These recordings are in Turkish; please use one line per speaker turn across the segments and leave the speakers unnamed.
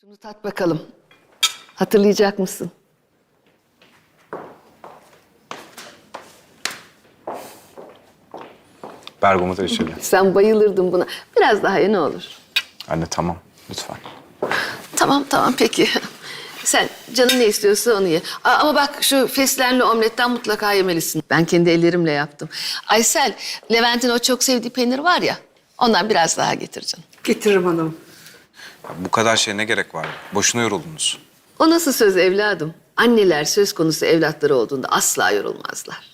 Şunu tat bakalım. Hatırlayacak mısın?
Bergamot reçeli.
Sen bayılırdın buna. Biraz daha ye ne olur.
Anne tamam lütfen.
Tamam peki. Sen canın ne istiyorsa onu ye. Ama bak şu fesleğenli omletten mutlaka yemelisin. Ben kendi ellerimle yaptım. Aysel, Levent'in o çok sevdiği peynir var ya. Ondan biraz daha getir canım.
Getiririm hanım.
Ya bu kadar şeye ne gerek var? Boşuna yoruldunuz.
O nasıl söz evladım? Anneler söz konusu evlatları olduğunda asla yorulmazlar.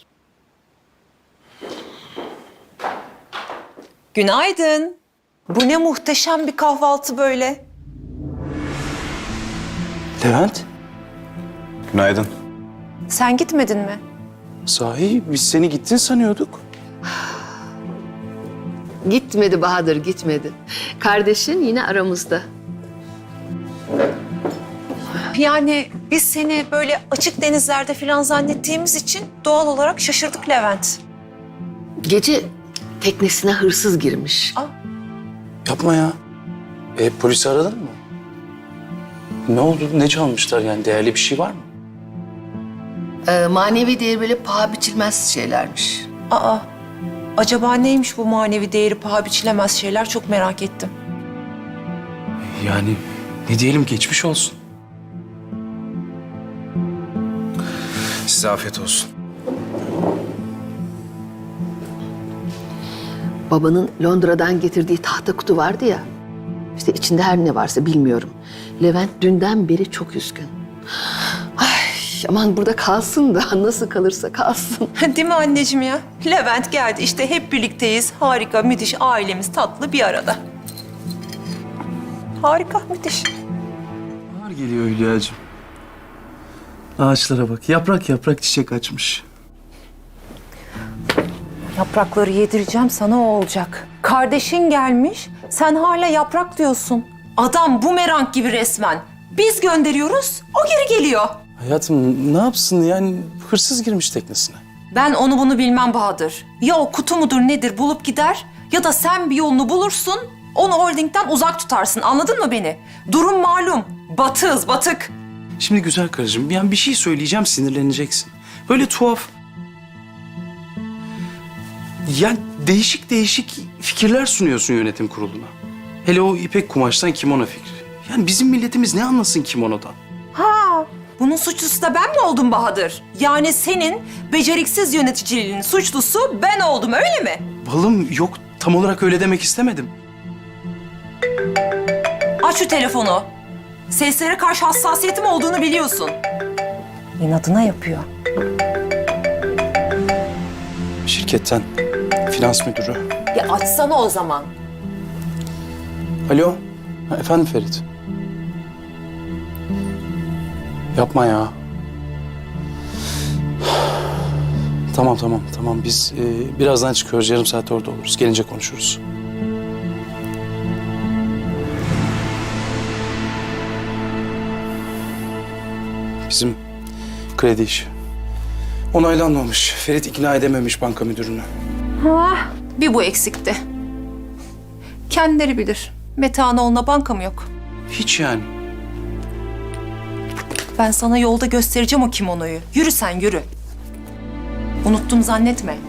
Günaydın. Bu ne muhteşem bir kahvaltı böyle.
Levent,
Günaydın.
Sen gitmedin mi?
sahi biz seni gittin sanıyorduk.
Gitmedi Bahadır, gitmedi. Kardeşin yine aramızda.
Yani biz seni böyle açık denizlerde falan zannettiğimiz için doğal olarak şaşırdık Levent.
Gece teknesine hırsız girmiş.
Yapma ya. Polisi aradın mı? Ne oldu? Ne çalmışlar yani? Değerli bir şey var mı?
Manevi değeri böyle paha biçilmez şeylermiş.
Aa, acaba neymiş bu manevi değeri paha biçilemez şeyler, çok merak ettim.
Yani ne diyelim, geçmiş olsun.
Size afiyet olsun.
Babanın Londra'dan getirdiği tahta kutu vardı ya. İşte içinde her ne varsa bilmiyorum. Levent dünden beri çok üzgün. Ay aman burada kalsın da nasıl kalırsa kalsın.
Değil mi anneciğim ya? Levent geldi, işte hep birlikteyiz. Harika, müthiş, ailemiz tatlı bir arada. Harika, müthiş.
Bahar geliyor Hülya'cığım. Ağaçlara bak. Yaprak yaprak çiçek açmış.
Yaprakları yedireceğim sana, o olacak. Kardeşin gelmiş, sen hala yaprak diyorsun. Adam bumerang gibi resmen. Biz gönderiyoruz, o geri geliyor.
Hayatım ne yapsın yani, hırsız girmiş teknesine.
Ben onu bunu bilmem Bahadır. Ya o kutu mudur nedir bulup gider, ya da sen bir yolunu bulursun, onu holdingden uzak tutarsın, anladın mı beni? Durum malum, batığız, batık.
Şimdi güzel karıcığım, yani bir şey söyleyeceğim, sinirleneceksin. Böyle tuhaf. Yani değişik değişik fikirler sunuyorsun yönetim kuruluna. Hele o ipek kumaştan kimono fikri. Yani bizim milletimiz ne anlasın kimonodan?
Ha, bunun suçlusu da ben mi oldum Bahadır? Yani senin beceriksiz yöneticiliğinin suçlusu ben oldum, öyle mi?
Balım yok, tam olarak öyle demek istemedim.
Aç şu telefonu. Seslere karşı hassasiyetim olduğunu biliyorsun. İnadına yapıyor.
Şirketten, finans müdürü.
Ya açsana o zaman.
Alo, ha, efendim Ferit. Yapma ya. Tamam. Biz birazdan çıkıyoruz. Yarım saat orada oluruz. Gelince konuşuruz. Bizim kredi işi. Onaylanmamış. Ferit ikna edememiş banka müdürünü.
Bir bu eksikti. Kendileri bilir. Metehan oğluna banka mı yok?
Hiç yani.
Ben sana yolda göstereceğim o kimonoyu. Yürü sen, yürü. Unuttum zannetme.